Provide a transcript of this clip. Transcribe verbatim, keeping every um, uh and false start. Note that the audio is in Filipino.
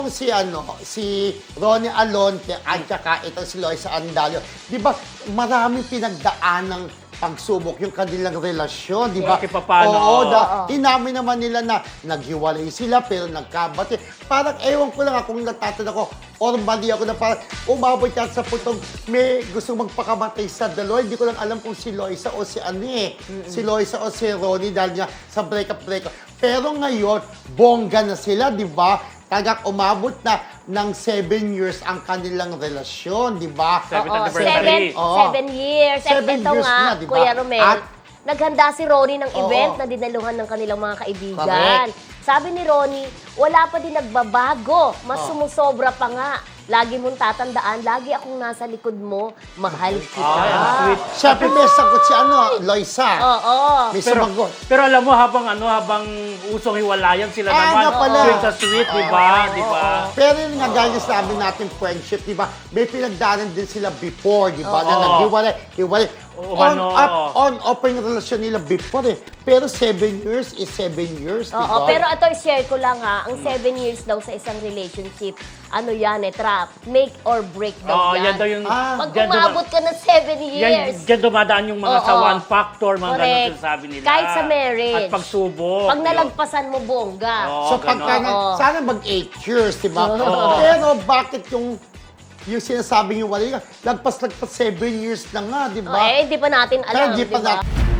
Si ano, si Ronnie Alonte at saka itong si Loisa Andalio, di ba maraming pinagdaan ng pagsubok yung kanilang relasyon, di ba? Okay, paano? Oo, da, Oo. inamin naman nila na naghiwalay sila pero nagkabati. Parang ewan ko lang akong natatanda ko or mali ako na parang umabot yan sa putong may gusto magpakamatay sa dalawa. Hindi ko lang alam kung si Loisa o si ano eh. Si Loisa o si Ronnie dahil nga sa breakup-breakup. Pero ngayon, bongga na sila, di ba? Tagak umabot na ng seven years ang kanilang relasyon, di ba? Seventh Oo, anniversary. seven, Oo. seven years. At Seven ito years nga, na, di ba? Kuya Romel, At- naghanda si Ronnie ng Oo. event na dinaluhan ng kanilang mga kaibigan. Correct. Sabi ni Ronnie, wala pa din nagbabago. Mas Oh. sumusobra pa nga. Lagi mong tatandaan, lagi akong nasa likod mo, mahal kita. Ay, ang sweet. Siyempre may sagot si ano, Loisa. Oo. May Pero, sumagot. pero alam mo, habang ano, habang usong hiwalayan sila Ah, naman, nga pala. sweet sa sweet, di ba? Di ba? Pero yun nga, gaya na sabi natin, friendship, di ba? May pinagdaanan din sila before, di ba? Na Oo. naghiwalay, hiwalay. Oo, On, ano, up, oo. on, off yung relasyon nila before eh. Pero seven years is seven years, di Oo, ba? pero ito, share ko lang ha, ang seven years daw sa isang relationship, ano yan eh, trap, make or break Oo, daw yan. yan daw yung... Ah. Pag dyan duma- umabot ka ng seven Yan, years, dyan dumadaan yung mga sa Oo. one factor, mga ganun Correct. sinasabi nila. Kahit sa marriage. At pagsubok. pag nalagpasan mo, bongga. Oo. So ganun. pagka, nga- Oo. sana mag-eight years, di ba? Oo. Pero bakit yung yung sinasabing yung wala, lagpas-lagpas seven years na nga, di Oh, ba? eh, hindi pa natin Pero alam, di di pa ba? natin-